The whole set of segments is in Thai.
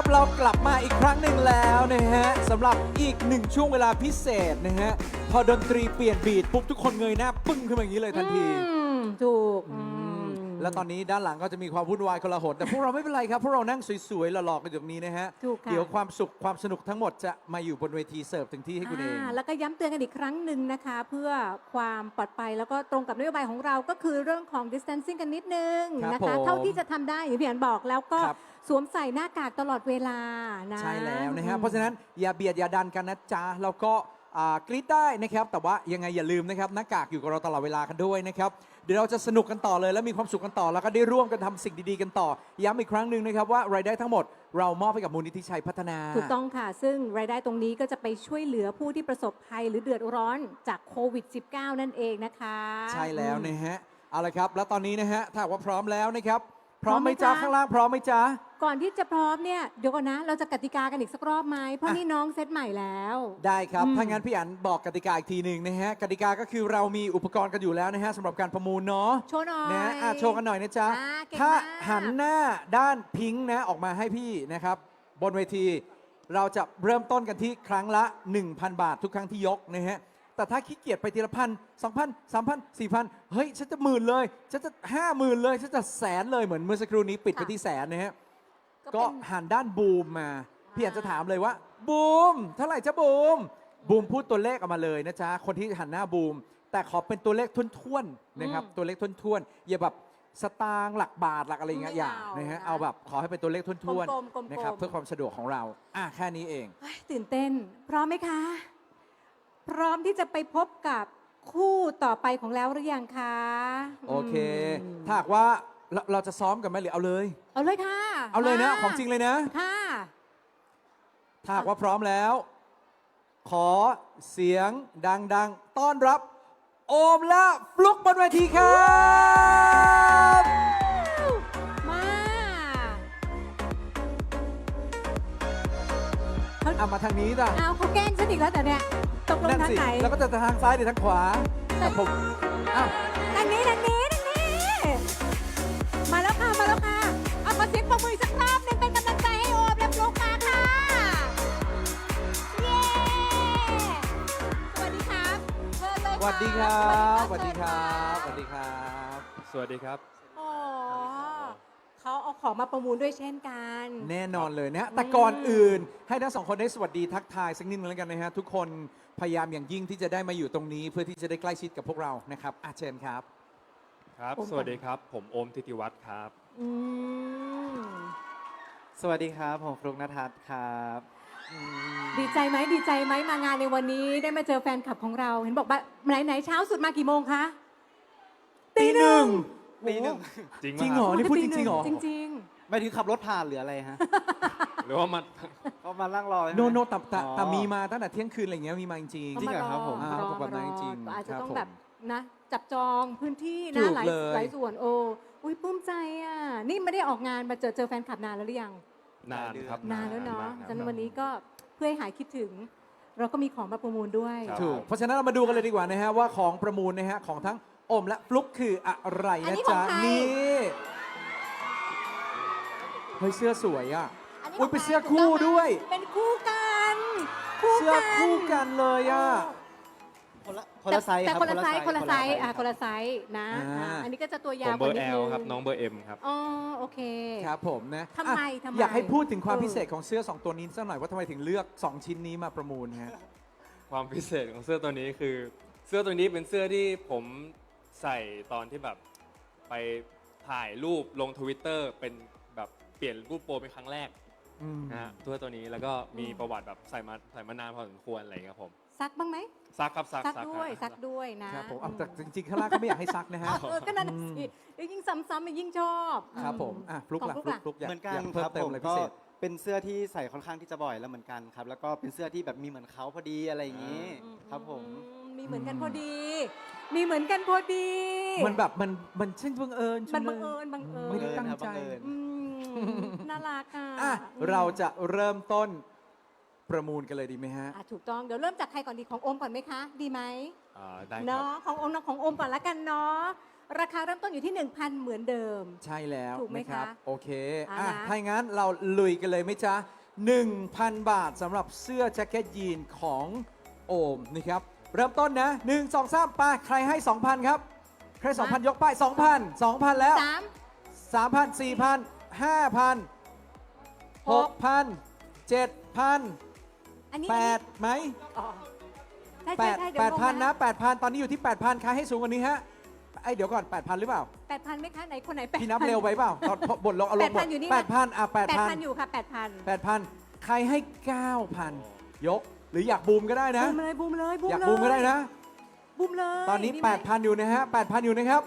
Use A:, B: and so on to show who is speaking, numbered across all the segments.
A: เรากลับมาอีกครั้งหนึ่งแล้วนะฮะสำหรับอีกหนึ่งช่วงเวลาพิเศษนะฮะพอดนตรีเปลี่ยนบีทปุ๊บทุกคนเงยหน้าปึ้งขึ้นมาอย่างนี้เลยทันที
B: ถูก
A: แล้วตอนนี้ด้านหลังก็จะมีความวุ่นวายกลาหนแต่พวกเราไม่เป็นไรครับพวกเรานั่งสวยๆหล่อๆกันอยู่ตรงนี้นะฮะ
B: ถูกค่ะ
A: เดี๋ยวความสุขความสนุกทั้งหมดจะมาอยู่บนเวทีเสิร์ฟถึงที่ให้คุณเอง
B: แล้วก็ย้ำเตือนกันอีกครั้งหนึ่งนะคะ เพื่อความปลอดภัยแล้วก็ตรงกับนโยบายของเราก็คือเรื่องของ distancing กันนิดนึง
A: ครับ
B: นะคะ
A: ผม
B: เท่าที่จะทำได้อย่างที่พี่อันบอกแล้วก็
A: ครับ
B: สวมใส่หน้ากากตลอดเวลานะ
A: ใช่แล้วนะฮะเพราะฉะนั้นอย่าเบียดอย่าดันกันนะจ๊ะแล้วก็กรี๊ดได้นะครับแต่ว่ายังไงอย่าลืมนะครับหน้ากากอยู่กับเราตลอดเวลากันด้วยนะครับเดี๋ยวเราจะสนุกกันต่อเลยและมีความสุขกันต่อแล้วก็ได้ร่วมกันทำสิ่งดีๆกันต่อย้ำอีกครั้งหนึ่งนะครับว่ารายได้ทั้งหมดเรามอบให้กับมูลนิธิชัยพัฒนา
B: ถูกต้องค่ะ ซึ่งรายได้ตรงนี้ก็จะไปช่วยเหลือผู้ที่ประสบภัยหรือเดือดร้อนจากโควิด -19 นั่นเองนะคะ
A: ใช่แล้วนะฮะเอาละครับแล้วตอนนี้นะฮะถ้าหากว่าพร้อมแล้วนะครับพ
B: พร้
A: ร้อ
B: อ
A: ม
B: ม
A: ไห
B: ไห
A: ม
B: ม
A: จ๊ะ
B: จ๊ะ
A: ข้างล่างพร้อมไหมจ๊ะ
B: ก่อนที่จะพร้อมเนี่ยเดี๋ยวก่อนนะ เราจะกติกากันอีกสักรอบไหมเพราะ
A: อ่ะ
B: นี่น้องเซตใหม่แล้ว
A: ได้ครับ
B: อืม
A: ถ้างั้นพี่อันบอกกติกาอีกทีหนึ่งนะฮะกติกาก็คือเรามีอุปกรณ์กันอยู่แล้วนะฮะสำหรับการประมูลเนาะ
B: โชว์หน่อย
A: นะโชว์กันหน่อยนะจ๊ะ
B: เก่ง
A: ถ้าม
B: าก
A: หันหน้าด้านพิงค์นะออกมาให้พี่นะครับบนเวทีเราจะเริ่มต้นกันที่ครั้งละ 1,000 บาททุกครั้งที่ยกนะฮะแต่ถ้าขี้เกียจไปทีละพัน2,000 3,000 4,000เฮ้ยฉันจะ10,000เลยฉันจะ50,000เลยฉันจะแสนเลยเหมือนเมื่อสักครู่นี้ปิดไปที่แสนนะฮะก็
B: เป็น
A: หันด้านบูมมาพี่อยากจะถามเลยว่าบูมเท่าไหร่จ้าบูมบูมพูดตัวเลขออกมาเลยนะจ๊ะคนที่หันหน้าบูมแต่ขอเป็นตัวเลขท้วนๆนะครับตัวเลขท้วนๆอย่าแบบสตางค์หลักบาทหลักอะไรอย่างเงี้ยอย่านะฮะเอาแบบขอให้เป็นตัวเลขท้วน
B: กลมๆ
A: ๆนะครับเพื่อความสะดวกของเราแค่นี้เอง
B: เฮ้ยตื่นเต้น พร้อมไหมคะ พร้อมที่จะไปพบกับคู่ต่อไปของแล้วหรือยังคะ
A: โอเค
B: ม
A: ถ้าหากว่าเราจะซ้อมกันไหมหรือเอาเลย
B: เอาเลยค่ะ
A: เอาเลยนะ
B: มา
A: ของจริงเลยนะ
B: ค่ะ
A: ถ้าหากว่าพร้อมแล้ว ขอเสียงดังๆ ต้อนรับ โอมและฟลุกบนเวทีครับ
B: มา
A: เอามาทางนี้จ้ะ
B: เอาเขาแกล้งฉันอีกแล้วแต่เนี่ยตกลง
A: นั่น
B: ทาง
A: สิ
B: ไหน
A: แล้วก็จะทางซ้ายหรือทางขวาแต่ผมอ้าว
B: ทางนี้ทางนี้ทางนี้ มาแล้วค่ะ มาแล้วค่ะ เอาขอเสียงปรบมืออีกสักรอบหนึงเป็นกำลังใจให้โอมและฟลุ๊กมาค่ะ เย้ สวัสดีครับเชิญเลย
A: สวัสดีครับสวัสดีครับสวัสดีครับ
C: สวัสดีครับ
B: โอ้เขาเอาของมาประมูลด้วยเช่นกัน
A: แน่นอนเลยนะแต่ก่อนอื่น ให้ทั้งสองคนได้สวัสดีทักทายสักนิดนึงแล้วกันนะฮะทุกคนพยายามอย่างยิ่งที่จะได้มาอยู่ตรงนี้ เพื่อที่จะได้ใกล้ชิดกับพวกเรานะครับเชิญครับ
C: ครับ
B: โอม
C: สวัสดีครับ ผมโอมทิติวัฒน์ครับ
B: อืม
D: สวัสดีครับ ผมฟลุกนทัศน์ครับ
B: ดีใจไหมดีใจไหมมางานในวันนี้ได้มาเจอแฟนคลับของเรา เห็นบอกว่าไหนเช้าสุดมากี่โมงคะ
A: ตีหนึ่ง
D: ตีหนึ่ง
C: จริง
A: จริง
C: ไห
A: เห
C: ม
A: รอ
C: คบ
A: นี่พูดจริงๆเหรอ
B: จริง
D: ไม่ถึงขับรถผ่านหรืออะไรฮะ
C: หรือว่ามัน
D: เขามานั่งรอใช่ไหม
A: โนโนแต่
D: อ๋อ
A: แต่มีมาตั้งแต่เที่ยงคืนอะไรอย่างเงี้ยมีมาจริง
B: ๆ
D: จริงเหรอครับผม
B: เขาารอ
A: เขาบอกแบบนั้นจริง
B: ก็อาจจะ
A: ครับ
B: ต้อง
A: ผม
B: แบบนะจับจองพื้นที่
A: ถู
B: นะ
A: ก
B: หลาย
A: เลย
B: หลายส่วนโอ้อุ้ยปลื้มใจอ่ะนี่ไม่ได้ออกงานมาเจอแฟนคลับนานแล้วหรือยัง
C: นานครับ
B: นานแล้วเนาะ
C: มกค
B: ฉะ
C: รับ
B: นั้นวันนี้ก็เพื่อให้หายคิดถึง เราก็มีของมาประมูลด้วย
C: ครับ
A: ถูกเพราะฉะนั้นเรามาดูกันเลยดีกว่านะฮะว่าของประมูลนะฮะของทั้งโอมและฟลุกคืออะไร
B: อัน
A: นะ
B: นี้ของ
A: จ๊ะ
B: ใคร
A: นี่เฮ้ยเสื้อสวยอ่ะ
B: อันนี้
A: อุ๊ย
B: ขง
A: เป็นเสื้อ
B: ใคร
A: คู่
B: ถูกต้องไหม
A: ด้วย
B: เป็นคู่กันคู่
A: เสื้อ
B: กัน
A: คู่กันเลยอ่ะ
D: คนละไซส์
B: แต่
D: ครับ
B: คนละไซส์คนละไซส์
D: รับ
B: คนละไซส์นะ อันนี้ก็จะตัวยา
C: ผ
B: ว
C: มเบอร์
B: ก
C: แอ
B: ว่านิดนึง
C: ลครับ น้องเบอร์เอ็มครับ
B: อ๋อโอเค
A: ครับผมนะ
B: ทำไม
A: อ่ะ
B: ทำไม
A: อยากให้พูดถึงความ
B: เออ
A: พิเศษของเสื้อ 2 ตัวนี้สักหน่อยว่าทำไมถึงเลือก 2 ชิ้นนี้มาประมูลฮะ
C: ความพิเศษของเสื้อตัวนี้คือ เสื้อตัวนี้เป็นเสื้อที่ผมใส่ตอนที่แบบไปถ่ายรูปลงทวิตเตอร์เป็นแบบเปลี่ยนรูปโปรเป็นครั้งแรก
A: อืม
C: นะฮะตัวนี้แล้วก็มีประวัติแบบใส่มานานพอสมควรอะไรอย่างเงี้ยครับผม
B: ซักบ้างไหม
C: ซักครับซัก
B: ซักด้วย
C: ครับ
B: ซักด้วยนะครับ
A: ผมเอาแต่จริงๆข้างล่างก็ไม่อยากให้ซักนะฮะ
B: ก็นั่นน่ะสิเดี๋ยวยิ่งซ้ำๆยิ่งชอบ
A: ครับผมฟลุก
B: ของ
A: ล่ะ
B: ฟลุ๊ก
A: ฟลุกอยาก
D: เหมือนกัน
A: อยาก
D: ค
A: เพิ่ม
D: รับ
A: เติม
D: ผม
A: อะไรพิ
D: ก็
A: เศษ
D: เป็นเสื้อที่ใส่ค่อนข้างที่จะบ่อยแล้วเหมือนกันครับ แล้วก็เป็นเสื้อที่แบบมีเหมือนเขาพอดีอะไรอย่างนี้ ครับผม
B: มีเหมือนกันพอดี มีเหมือนกันพอดี
A: มันแบบมันช่างบังเอิญ
B: มัน
A: จั
B: บัง
A: ลย
B: เอิญบังเอิญ
A: ไม่ได้ตั้งใจ
D: บังเอิญ
B: อืมน่ารักอ่ะ
A: อ่ะเราจะเริ่มต้นประมูลกันเลยดีไหมฮะ
B: อ่ะถูกต้องเดี๋ยวเริ่มจากใครก่อนดีของโอมก่อนไหมคะ ดีไหม
C: ได้ครับ
B: เนาะของโอมของโอมก่อนละกันเนาะราคาเริ่มต้นอยู่ที่ 1,000 เหมือนเดิม
A: ใช่แล้ว
B: ถูกไหม
A: นะครับ
B: คะ
A: โอเค
B: อ่ะนะ
A: ถ้าอย่างนั้นเราลุยกันเลยไหมจ๊ะ 1,000 บาทสำหรับเสื้อแจ็คเก็ตยีนของโอมนะครับ เริ่มต้นนะ 1 2 3ไปใครให้ 2,000 ครับ ใคร 2,000 ยกป้าย 2,000 2,000 แล้ว 3,000 4,000 5,000 6,000 7,000
B: อันนี้
A: 8ไหม
B: อ๋อใช่ใช่ใช่เดี๋ยว
A: 8,000 นะ 8,000 ตอนนี้อยู่ที่ 8,000 ใครให้สูงกว่านี้ฮะเดี๋ยวก่อน 8,000 หรือเปล่า
B: 8,000ไหมคะไหนคนไหน8,000
A: พี่นับเร็วไปเปล่าตอนบทลงเอาลงบท
B: 8,000อยู่นี่
A: 8,000 อ่ะ
B: 8,000 อยู่ค่ะ 8,000
A: 8,000 ใครให้ 9,000 ยก หรืออยากบูมก็ได้นะ
B: บูมเลยบูมเลยบูม
A: อยาก
B: เลย
A: บูมก็ได้นะ
B: บูมเลย
A: ตอนนี้
B: ดีไหม
A: 8,000 อยู่นะฮะ 8,000 อยู่นะครับ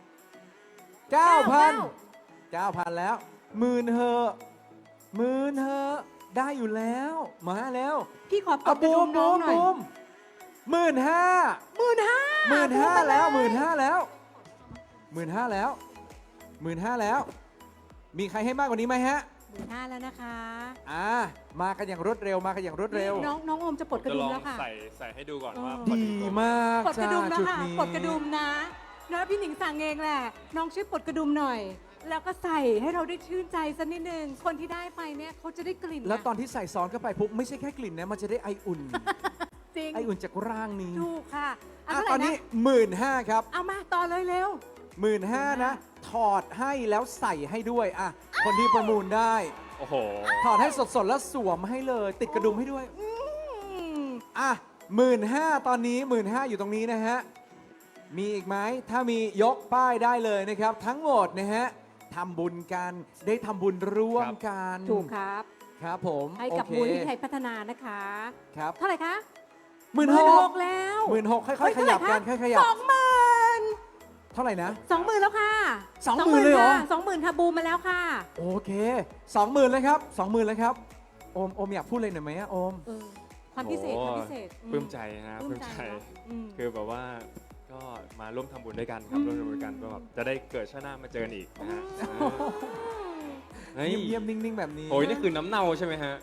A: 9,000 9,000 แล้วหมื่นเหอะหมื่นเหอะได้อยู่แล้ว มาแล้ว
B: พี่ขอก
A: เอา
B: ดกระ
A: บู
B: ดุ
A: ม
B: มน้
A: บู
B: อง
A: ม
B: หน่อย
A: บูม15,000
B: 15,000
A: แล้ว15,000 แล้ว15,000 แล้ว15,000 แล้ว มีใครให้มากกว่านี้ไหมฮะ
B: 15,000แล้วนะคะ
A: มากันอย่างรวดเร็ว มากันอย่างรวดเร็ว
B: น้องโอมจะปลดกระ
C: จะ
B: ดุ
C: ล
B: ม
C: อง
B: แล้วค่ะ
C: ใส่ให้ดูก่อนว่า
B: อ๋อ
C: พอ
A: ดี
C: ตัวไห
A: มาก
B: ปลดกระดุมแล้ว
A: จุด
B: ค่ะ
A: นี้
B: ปลดกระดุมนะพี่หนิงสั่งเองแหละ น้องช่วยปลดกระดุมหน่อย แล้วก็ใส่ให้เราได้ชื่นใจสักนิดนึง คนที่ได้ไปเนี่ยเขาจะได้กลิ่น
A: แล้วตอน
B: นะ
A: ที่ใส่ซ้อนเข้าไปปุ๊บไม่ใช่แค่กลิ่นนะ มันจะได้ไออุ่น
B: จริง
A: ไออุ่นจากร่างนี้
B: ถูกค่ะเา
A: อ่ะ
B: เท่าไหร่
A: ตอนนี้
B: ะ
A: 15,000 ครับ
B: เอามาต่อเลยเร็ว
A: 15,000 นะ ถอดให้แล้วใส่ให้ด้วยอ่ะคนที่ประมูลได้
C: โอ้โห
A: ถอดให้สดๆ แล้วสวมให้เลย ติดกระดุมให้ด้วย
B: อืม
A: อ่ะ15,000 ตอนนี้ 15,000 อยู่ตรงนี้นะฮะ มีอีกไหม ถ้ามียกป้ายได้เลยนะครับ ทั้งหมดนะฮะทำบุญกัน ได้ทำบุญร่วมกัน
B: ถูกครับ
A: ครับผม
B: ให้กับ
A: โอเค
B: มูลนิธิไทยพัฒนานะคะ
A: ครับ
B: เท่าไหร่คะ
A: 16,000
B: แล้ว
A: 16,000 ค่อยๆ ขยับกัน ค่อยๆ ขยับ
B: 20,000
A: เท่าไหร่นะ
B: 20,000แล้วค่ะ
A: 20,000เลยเหรอ
B: 20,000ค่ะบูมมาแล้วค่ะ
A: โอเค 20,000เลยครับ 20,000เลยครับ โอมอยากพูดอะไรหน่อยไหมอะโอม
B: เออความพิเศษ
C: โอ้
B: ความพิเศษ
C: ปลื้มใจนะ
B: ป
C: ป
B: ลื้
C: ลื้
B: ม
C: ม
B: ใจ
C: ใจ
B: เนอะอืม
C: คือแบบว่าก็มาร่วมทำบุญด้วยกันครับ
B: อืม
C: ร่วมทำบุญกันก็แบบจะได้เกิดชาติหน้ามาเจอกันอีกนะฮะเฮ้ย
A: เงียบๆ นิ่งๆ แบบนี้
C: โอ้ยนี่คือน้ำเน่าใช่ไหมฮะ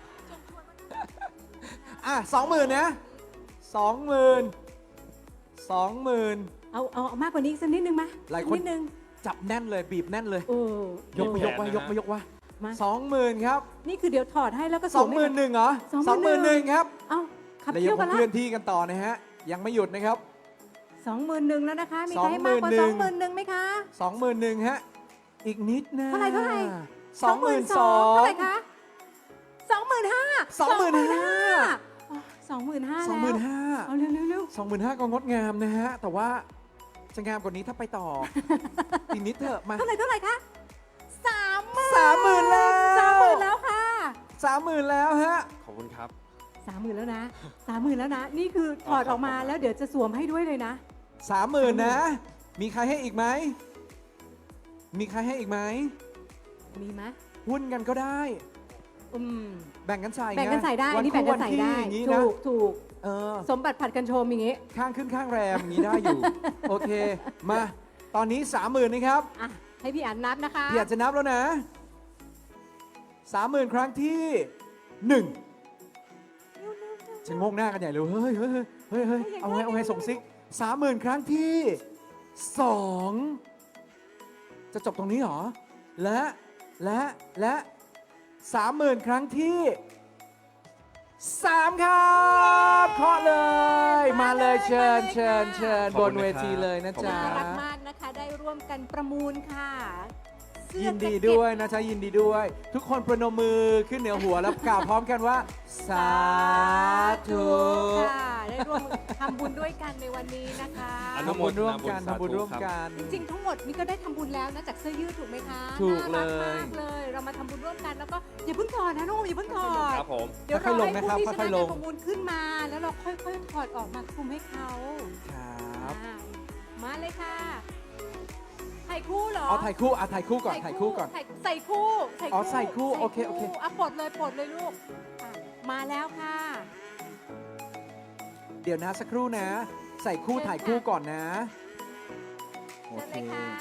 A: อ่ะ 20,000 นะ 20,000 20,000
B: เอามากกว่านี้อีกสักนิดนึงมา
A: หลายคน
B: นิดนึง
A: จับแน่นเลย บีบแน่นเลย
B: เออย
A: กมายก
C: แขน
A: มา
C: นะ
A: ยกมายกวะ
B: มา
A: 20,000 ครับ
B: นี่คือเดี๋ยวถอดให้แล้วก็สวมให้
A: 21,000เหรอ 21,000 ครับ
B: เอาขับ
A: แล้ว
B: เที่
A: ยั
B: ยว
A: ง
B: กัน
A: เค
B: ละ
A: ลื่อนที่กันต่อนะฮะ ยังไม่หยุดนะครับ
B: 21,000แล้วนะคะ มีใครให้มากกว่า
A: 21,000
B: 21,000ไหมคะ
A: 21,000 ฮะ อีกนิดนะ
B: เท่าไหร่
A: 22,000
B: เท่าไหร่คะ25,000 25,000
A: 25,000
B: เอาเร็ว
A: 25,000 ก็งดงามนะฮะ แต่ว่าจะงามกว่านี้ถ้าไปต่อ อีกนิดเถอะมา
B: เท่าไหร่คะ30,000
A: 30,000 แล้ว
B: 30,000แล้วค่ะ
A: 30,000 แล้วฮะ
C: ขอบคุณครับ
B: 30,000แล้วนะ30,000แล้วนะ นี่คือถอดออกมาแล้วเดี๋ยวจะสวมให้ด้วยเลยนะ
A: 30,000 นะ มีใครให้อีกไหม มีใครให้อีกไหม
B: มีไหม
A: หุ้นกันก็ได้
B: อืม
A: แบ่งกันใส่
B: แบ่งกันใส่ได้ อันนี้แบ่งกันใส่ได้
A: อย่างนี้นะ
B: ถูก
A: เออ
B: สมบัติผัดกันโชมอย่างงี้
A: ข้างขึ้นข้างแรมอย่างนี้ได้อยู่ โอเค มา ตอนนี้ 30,000 นะครับ
B: อ่ะ ให้พี่อันนับนะคะ
A: พี่อยากจะนับแล้วนะ 30,000 ครั้งที่ 1จะงงหน้ากันใหญ่เลย เฮ้ยเอาไงส่งซิก 30,000 ครั้งที่ 2 จะจบตรงนี้เหรอ และ 30,000 ครั้งที่ 3 ครับเคาะเลย มาเลยเชิญ
C: ข
A: บ
C: อบคุ
A: น
C: ณนะครับ
A: เวทีเลยนะจ๊ะ
B: น่ารักมากนะคะ ได้ร่วมกันประมูลค่ะเสื้อ
A: ยินดี
B: แจ็คเก็ต
A: ด้วยนะจ๊ะยินดีด้วย ทุกคนประนมมือขึ้นเหนือหัวแล้วกล่าวพร้อมกันว่า สาธุ
B: ค่ะ ได้ร่วมทำบุญด้วยกันในวันนี้นะคะ
C: อนุ
A: ทำ
C: โม
A: บุญ
C: ทนา
A: ร่วม
C: บุญ
A: กัน
C: สาธุ
A: ทำบุญร่วม
C: ครับ
A: กัน
B: จริงๆทั้งหมดนี่ก็ได้ทำบุญแล้วนะจากเสื้อยืดถูกไหมคะ
A: ถูก
B: น่ารั
A: เลย
B: มากเลย เรามาทำบุญร่วมกันแล้วก็อย่าเพิ่งถอดนะน้องโอมอย่าเพิ่งถอด
C: ครับผม
B: เดี๋ยว
A: ค่
B: เรา
A: อยๆลง
B: ให้
A: นะครับ
B: ผู้ที่ช
A: ค่
B: นะ
A: อยๆล
B: การ
A: ง
B: ประมูลขึ้นมา แล้วเราค่อยๆถอดออกมาคลุมให้เขา
A: ครับ
B: อ่ามาเลยค่ะถ่ายคู่เหรอ
A: เอาถ่ายคู่ถ่ายคู่ก่อนถ่ายคู่ก่อน
B: ใส่คู่
A: อ๋อใส่คู่โอเคโอเค
B: อ่ะปลดเลยลูกอ่ะมาแล้วค่ะ
A: เดี๋ยวนะสักครู่นะ ใส่คู่
B: เชิญ
A: ถ่ายคู่
B: ค่ะ
A: ก่อนนะโอ
B: เชิญ
A: เค
B: เลยค่ะ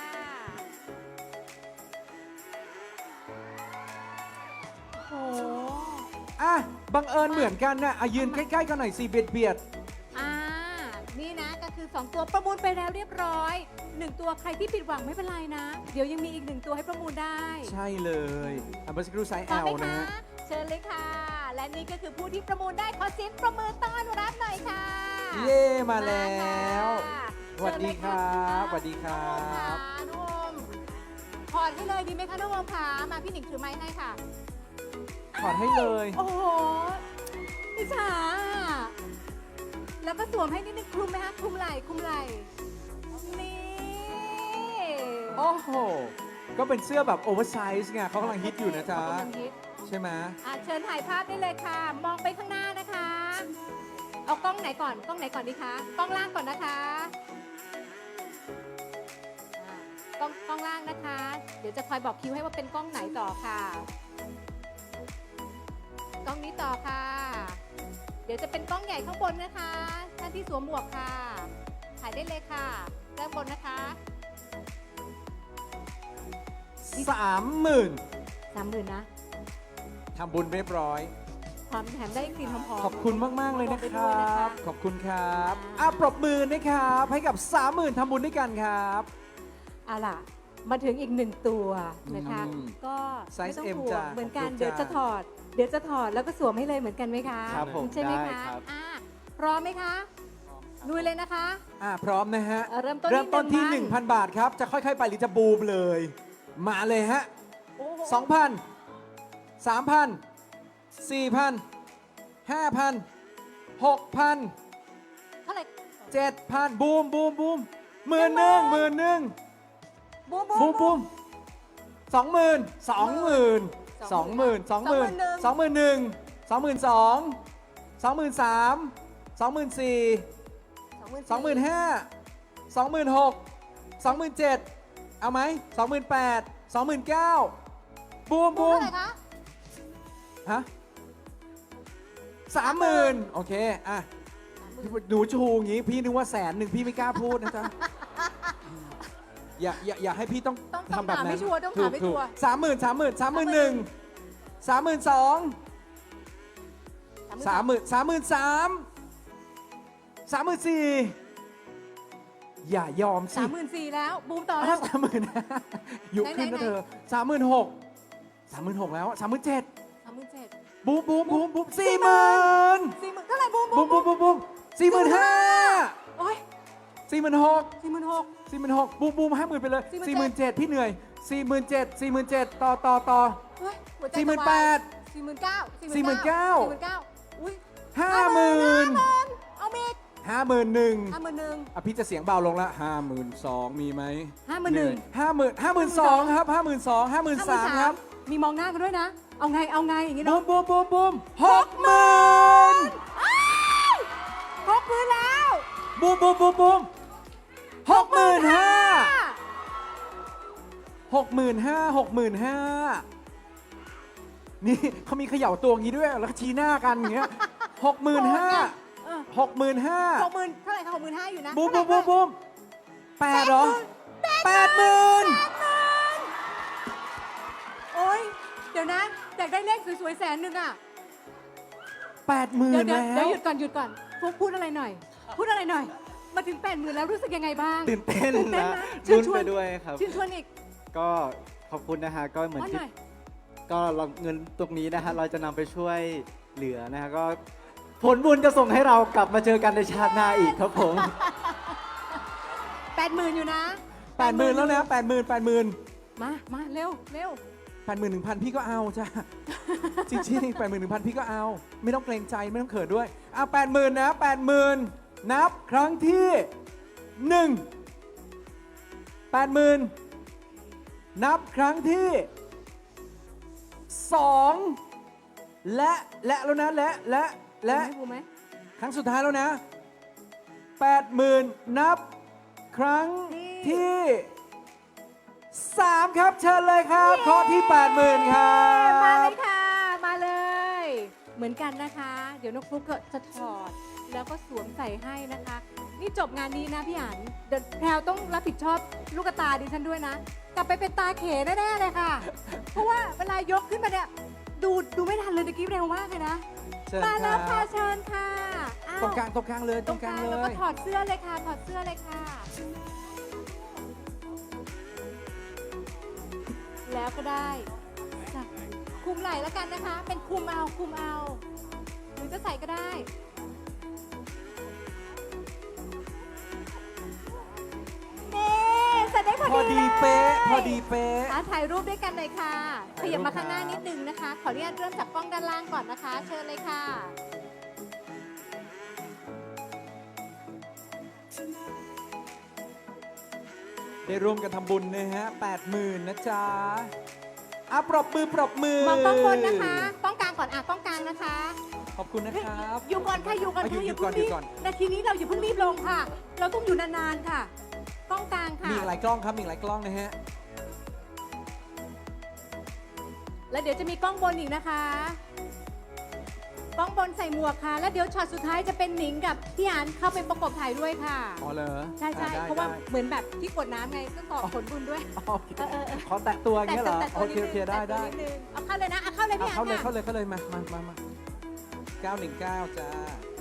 B: โอ้โห
A: อ่ะบังเอิญเหมือนกันนะอ่ะยืนใกล้ๆกันหน่อยสิเบียด
B: อ่านี่นะก็คือ 2 ตัวประมูลไปแล้วเรียบร้อย 1 ตัวใครที่ผิดหวังไม่เป็นไรนะ เดี๋ยวยังมีอีก 1 ตัวให้ประมูลได้
A: ใช่เลยอันเบอร์สักครู่ไซส์
B: พร้อม
A: L
B: ไหม
A: นะ
B: คะ
A: ฮะ
B: เชิญเลยค่ะ และนี่ก็คือผู้ที่ประมูลได้ขอเสียงประมือต้อนรับหน่อยค่ะ
A: เย่มาแล้
B: ค่ะ
A: ว สวัสดีครับสวัสดีครั
B: น้องโอม
A: บ
B: ค่ะน้องโอมถอดให้เลยดีไหมคะน้องโอมค่ะมาพี่หนิงถือไม้ให้ค่ะ
A: ถอดให้เลย
B: โอ้โหอิจฉาแล้วก็สวมให้นิดนึงคลุมไหมคะคลุมไหล่คลุมไหล่นี่
A: โอ้โห ก็เป็นเสื้อแบบโอเวอร์ไซส์ไงเขากำลังฮิตอยู่นะจ๊ะ
B: เขากำลังฮิต
A: ใช่ไหม
B: เชิญถ่ายภาพได้เลยค่ะ มองไปข้างหน้านะคะ เอากล้องไหนก่อนกล้องไหนก่อนดีคะกล้องล่างก่อนนะคะกล้องล่างนะคะ เดี๋ยวจะคอยบอกคิวให้ว่าเป็นกล้องไหนต่อค่ะ กล้องนี้ต่อค่ะ เดี๋ยวจะเป็นกล้องใหญ่ข้างบนนะคะท่านที่สวมหมวกค่ะ ถ่ายได้เลยค่ะด้านบนนะคะ
A: 30,000
B: 30,000นะ
A: ทำบุญเรียบร้อย
B: ความแถมได้กลิ่นหอมๆ
A: ขอบคุณมาก ๆ เลยนะ
B: ไป
A: ค
B: ด้ว
A: รั
B: ยนะคะ
A: บ ขอบคุณครับปรบมือนะครับ ให้กับ 30,000ทำบุญด้วยกันครับ
B: เอาล่ะ มาถึงอีกหนึ่งตัวนะคะ
A: อืม
B: ก็
A: ไซส์
B: ไม่ต้อง
A: M
B: ห่ว
A: จ้ะ
B: งเหมือนกัน
A: ขอบคุณ
B: เดี๋ยวจะ
A: จ้ะ
B: ถอด เดี๋ยวจะถอดแล้วก็สวมให้เลยเหมือนกันไหมคะ
D: ครับผม
B: ใช่ไหม
D: ได้
B: คะ
D: ครับ
B: พร้อมไหมคะลุยเลยนะคะ
A: พร้อมนะฮะ
B: เริ่มต้น
A: เริ่มต้นที่
B: ที่
A: 1,000 บาทครับ จะค่อย ๆ ไปหรือจะบูมเลย มาเลยฮะ
B: โอ้โห
A: 2,000 3,000 4,000 5,000 6,000
B: เท่าไหร่
A: 7,000 บูมบูมบูม11,000
B: บูม
A: บูมบูม20,000 20,000 20,000 20,000 21,000 22,000 23,000 24,000 25,000 26,000 27,000 เอาไหม28,000 29,000 บูมบู
B: เท่าม ไหร่คะ
A: ฮะ30,000 โอเค อ่ะ หนูชูอย่างงี้ พี่นึกว่า100,000พี่ไม่กล้าพูดนะจ๊ะ อย่าให้พี่ต้อง
B: ต้อง
A: ทำแบบ
B: ถาม
A: นั้
B: ให้
A: น
B: ชัวร์ต้องถามให้ชัวร์
A: 30,000 30,000 31,000 32,000 33,000 34,000 อย่ายอมสิ
B: 34,000แล้วบูมต่อ
A: อ้า
B: แล้ว ว
A: 30,000 อยู่ขึ้น
B: ไหน
A: นะ
B: ๆ
A: เธอ36,000แล้ว 37,000
B: 37,000
A: บูมบูมบูมบูม40,000
B: 40,000เท่าไหร่บูม
A: บูมบูมบูมบูม45,000
B: โอ้ย
A: 46,000
B: 46,000
A: 46,000บูมบูม50,000ไปเลย 47,000 พี่เหนื่อย 47,000 ต่อ
B: เฮ้ยหัวใจ
A: 48,000
B: 49,000 49,000อุ้ย
A: 50,000
B: เอาเมก
A: 51,000
B: 51,000
A: อ่ะพี่จะเสียงเบาลงละ52,000มีไหม
B: 51,000
A: เหนื่อย52,000ครับ52,000 53,000ครับ
B: มีมองหน้ากันด้วยนะ เอาไงอย่างนี้
A: บู
B: เนาะ
A: มบูมบูมบูม60,000
B: ครบพื้นแล้ว
A: บูมบูมบูมบูม65,000 65,000 นี่เขามีเขย่าตัวอย่างนี้ด้วย แล้วก็ชี้หน้ากันอย่างเงี้ย 65,000 65,000
B: 60,000เท่าไหร่คะ65,000อยู่นะ
A: บูมบูมบูมบูม8เหรอ80,000
B: โอ้ยเดี๋ยวนะอยากได้เลขสวยๆ100,000อ่ะ
A: 80,000
B: เดี๋ยว
A: แล้ว
B: หยุดก่อนฟุ๊กพูดอะไรหน่อย มาถึง 80,000แล้วรู้สึกยังไงบ้าง
A: ตื่นเต้น
B: ตื่นเต้น
D: นะ
B: นะ
D: ลุ้นไปด้วยครับ
B: ชื่นชวนอีก
D: ก็ขอบคุณนะฮะก็เหมือน
B: ว่าห
D: ที่
B: น่อย
D: ก็เราเงินตรงนี้นะฮะเราจะนำไปช่วยเหลือนะฮะก็ผลบุญจะส่งให้เรากลับมาเจอกันในชาติหน้าอีกครับผม
B: 80,000อยู่นะ
A: 80,000 แล้วนะ80,000
B: มาเร็ว
A: 1,000 พี่ก็เอาจ้ะ จริงๆ 81,000 พี่ก็เอา ไม่ต้องเกรงใจไม่ต้องเขินด้วย80,000 นะ 80,000 นับครั้งที่ 1 80,000 นับครั้งที่ 2 และแล้วนะและ
B: บูมไหม
A: ครั้งสุดท้ายแล้วนะ 80,000 นับครั้งที่ 3 ครับ เชิญเลยครับข้อที่ 80,000 ครั
B: มาเล
A: บ
B: ยค่ะ มาเลย เหมือนกันนะคะ เดี๋ยวนกฟลุ๊กก็จะถอด แล้วก็สวมใส่ให้นะคะ นี่จบงานนี้นะพี่อันเดี๋ยวแพรวต้องรับผิดชอบลูกตาดิฉันด้วยนะ กลับไปเป็นตาเขแน่ๆเลยค่ะ เพราะว่าเวลายกขึ้นมาเนี่ย ดูไม่ทันเลยตะกี้เร็วมากเลยนะ
A: เชิญ
B: มา
A: ค
B: แล้
A: รั
B: วค่ะ
A: บ
B: เชิญค่ะอ้าว
A: ตรงกลางเลย
B: ตรงกลางแล้วก็ถอดเสื้อเลยค่ะ ถอดเสื้อเลยค่ะ แล้วก็ได้สักคู่คุมไหล่แล้วกันนะคะ เป็นคุมเอาหรือจะใส่ก็ได้เน่ใส่ได้พอ
A: พอ
B: ดี
A: ดี
B: เลย
A: เป๊ะ พอดีเป๊ะ
B: ถ่ายรูปด้วยกันเลยค่ะข
A: ถ่ายรูป
B: ยับมาข้างหน้า
A: ครับ
B: นิดนึงนะคะ ขออนุญาตเริ่มจากกล้องด้านล่างก่อนนะคะ เชิญเลยค่ะ
A: ได้ร่วมกันทำบุญนะฮะ 80,000นะจ๊ะปรบมือ ปรบมือ
B: มองกล้องบนนะคะกล้องกลางก่อนกล้องกลางนะคะ
A: ขอบคุณนะครับ
B: อยู่ก่อนค่ะอยู่ก่อน
A: อยู่
B: ค่ะ
A: อยู่
B: เพิ่ง
A: ก่อน
B: รีบ
A: อยู่ก่อน
B: นาทีนี้เราอย่าเพิ่งรีบลงค่ะ เราต้องอยู่นานๆค่ะ กล้องกลางค่ะ
A: มีอีกหลายกล้องครับ มีอีกหลายกล้องนะฮะ
B: แล้วเดี๋ยวจะมีกล้องบนอีกนะคะ กล้องบนใส่หมวกค่ะ แล้วเดี๋ยวช็อตสุดท้ายจะเป็นหนิงกับพี่อันเข้าไปประกบถ่ายด้วยค่ะ
A: อ๋อเหรอ
B: ใช่
A: ได้
B: เพราะว่า
A: ได้
B: เหมือนแบบที่กดน้ำไงก็ต่อผลบุญด้วย
A: โอเค
B: เออ
A: ขอแตะตัวอย่างเงี้ยเหรอ
B: แต่
A: โอ
B: ตัว
A: เค
B: นิ
A: โอเค
B: นึง
A: ได้
B: แต่ตัว
A: ได้
B: นินึงเอาเข้าเลยนะเอาเข้าเลยพี่อัน
A: เข้าเลย
B: ค่ะ
A: เข้าเลยเข้าเลยมา919จ้า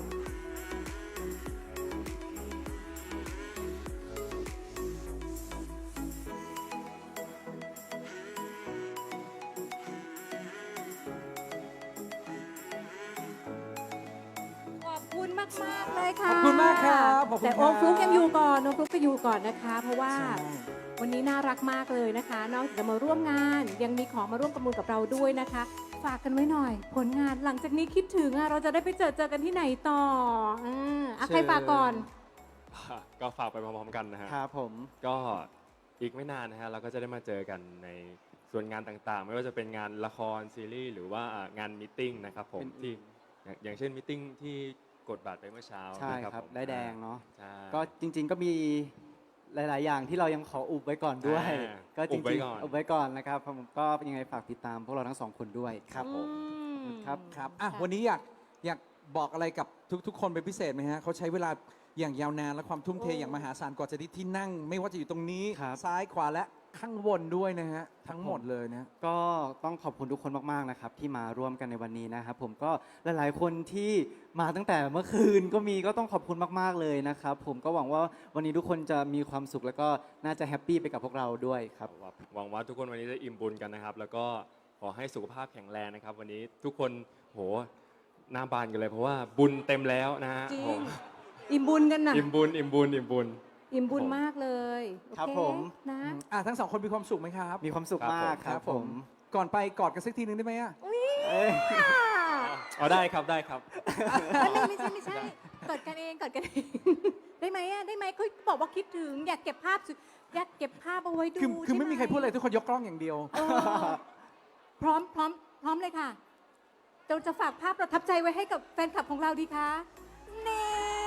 B: ขอบคุณมากๆเลยค่ะ
A: ขอบคุณมากครับขอบคุณ
B: แต่
A: ครับ
B: โอมฟลุกยังอยู่ก่อนโอมฟลุกก็อยู่ก่อนนะคะ เพราะว่า
A: ใช่
B: วันนี้น่ารักมากเลยนะคะ นอกจากจะมาร่วมงาน ยังมีของมาร่วมประมูลกับเราด้วยนะคะ ฝากกันไว้หน่อย ผลงานหลังจากนี้คิดถึงเราจะได้ไปเจอกันที่ไหนต่อใครฝากก่อน
C: ก็ฝากไปพร้อมๆกันนะฮะ
D: ครับผม
C: ก็อีกไม่นานนะฮะเราก็จะได้มาเจอกันในส่วนงานต่างๆ ไม่ว่าจะเป็นงานละครซีรีส์หรือว่างานมตติ팅นะครับผม
D: เป็น
C: ที่อย่างเช่นมตติ팅ที่กดบัตรไปเมื่อเช้า
D: ใช่
C: นะครับ ผม
D: ได้แดงเนาะ
C: ใช่
D: ก็จริง ๆ ก็มีหลาย ๆ อย่างที่เรายังขออุบไว้ก่อนด้วย ก็จ
C: อุบไว้
D: ริง
C: ก่อน
D: ๆอุบไว้ก่อนนะครับผมก็ยังไงฝากติดตามพวกเราทั้งสองคนด้วยครับผม ครับ
A: ครับวันนี้อยากบอกอะไรกับทุกคนเป็นพิเศษไหมฮะเขาใช้เวลาอย่างยาวนานและความทุ่มเท
B: โอ้
A: อย่างมหาศาลกว่าจะได้ที่นั่ง ไม่ว่าจะอยู่ตรงนี้
D: ครับ
A: ซ้ายขวาและข้างบนด้วยนะฮะ ทั้งหมดเลยนะ
D: ก็ต้องขอบคุณทุกคนมาก ๆ นะครับ ที่มาร่วมกันในวันนี้นะครับผมก็หลาย ๆ คนที่มาตั้งแต่เมื่อคืนก็ต้องขอบคุณมาก ๆ เลยนะครับผมก็หวังว่าวันนี้ทุกคนจะมีความสุขแล้วก็น่าจะแฮปปี้ไปกับพวกเราด้วยครับ
C: หวังว่าทุกคนวันนี้จะอิ่มบุญกันนะครับ แล้วก็ขอให้สุขภาพแข็งแรงนะครับ วันนี้ทุกคนโหหน้าบานกันเลยเพราะว่าบุญเต็มแล้วนะฮะ
B: จริง
C: ผม
B: อิ่มบุญกันนะ
C: อิ่มบุญ
B: อิ่มบุญมากเลยโอเ
D: ครับผม
B: นะ
A: ทั้งสองคนมีความสุขไหมครับ
D: มีความสุขมากครับผม
A: ก่อนไปกอดกันสักทีหนึ่งได้ไหมอะ
D: เอ้ย
C: เอาได้ครับได้ครับ
B: ไม่ใช่กดกันเองได้ไหมได้ไหมเขาบอกว่าคิดถึงอยากเก็บภาพอยากเก็บภาพเอาไว้ดู
A: คือไม่มีใครพูดอะไร
B: ช่ห
A: ทุกคนยกกล้องอย่างเดียว
B: เออพร้อมเลยค่ะเราจะฝากภาพประทับใจไว้ให้กับแฟนคลับของเราดีคะนี่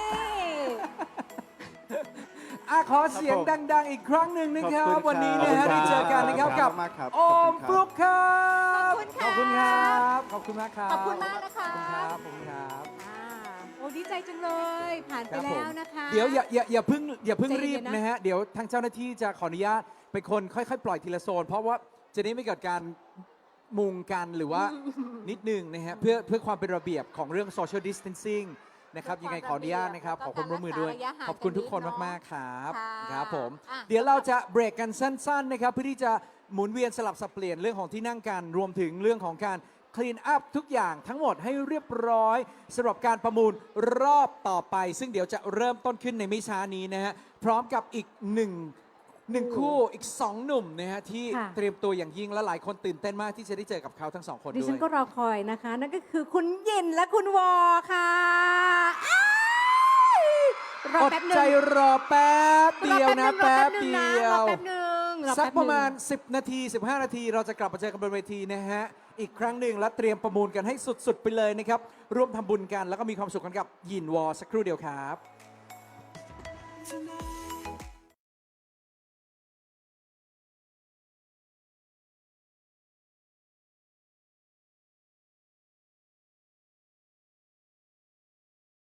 A: ขอเสียงดัง ๆ อีกครั้งหนึ่งนะครั
D: ข
A: บ
D: อบคุณ
A: วันนี้
D: ครับ
A: นะฮะ
D: ขอบคุณ
A: ได้เจอกันนะครับ
D: ครั
A: กับบ
D: มากครับ
A: โอม
D: ขอบคุณครับ
A: ฟลุกครับ
B: ขอบคุณค่ะ
A: ขอบคุณมากครับ
B: ขอบคุณมากนะคะ
A: ขอบคุณครับ
B: โอ้ดีใจจังเลย ผ่านไป
A: ครับผม
B: แล้วนะคะ
A: เดี๋ยวอย่าเพิ่ง
B: ใจเย็นๆ
A: รีบ
B: นะ
A: นะฮะ เดี๋ยวทางเจ้าหน้าที่จะขออนุญาตเป็นคนค่อยๆ ปล่อยทีละโซน เพราะว่าจะได้ไม่เกิดการมุงกันหรือว่านิดนึงนะฮะเพื่อความเป็นระเบียบของเรื่อง social distancing นะครับยังไงขออนุญาตนะครับขอความร่วมมือด้วย ขอบคุณทุกคนมากๆครับ
B: ค่ะ
A: ครับผม
B: อ่ะ
A: เดี๋ยวเราจะเบรกกันสั้นๆนะครับเพื่อที่จะหมุนเวียนสลับสับเปลี่ยนเรื่องของที่นั่งกันรวมถึงเรื่องของการคลีนอัพทุกอย่างทั้งหมดให้เรียบร้อยสำหรับการประมูลรอบต่อไป ซึ่งเดี๋ยวจะเริ่มต้นขึ้นในไม่ช้านี้นะฮะพร้อมกับอีกหนึ่งคู่อีก 2 หนุ่มนะฮะที่
B: ค่ะ
A: เตรียมตัวอย่างยิ่งและหลายคนตื่นเต้นมากที่จะได้เจอกับเขาทั้งสองคน
B: ดิ
A: ด้ว
B: ฉัน
A: ย
B: ก็รอคอยนะคะ นั่นก็คือคุณยินและคุณวอค่ะอ้ายรอ
A: อด
B: แป๊บหนึง
A: ใจรอแป๊บเดียวนะ
B: รอ
A: แป๊บ
B: หนึ่ง
A: เดีย
B: รอ
A: ว
B: แป๊บหนึ่งอ
A: สัก
B: แป๊บหนึ่ง
A: ประมาณ 10 นาที 15 นาที เราจะกลับมาเจอกันบนเวทีนะฮะ อีกครั้งหนึ่งและเตรียมประมูลกันให้สุด ๆ ไปเลยนะครับ ร่วมทำบุญกันแล้วก็มีความสุขกันกับยินวอสักครู่เดียวครับ
E: Tonight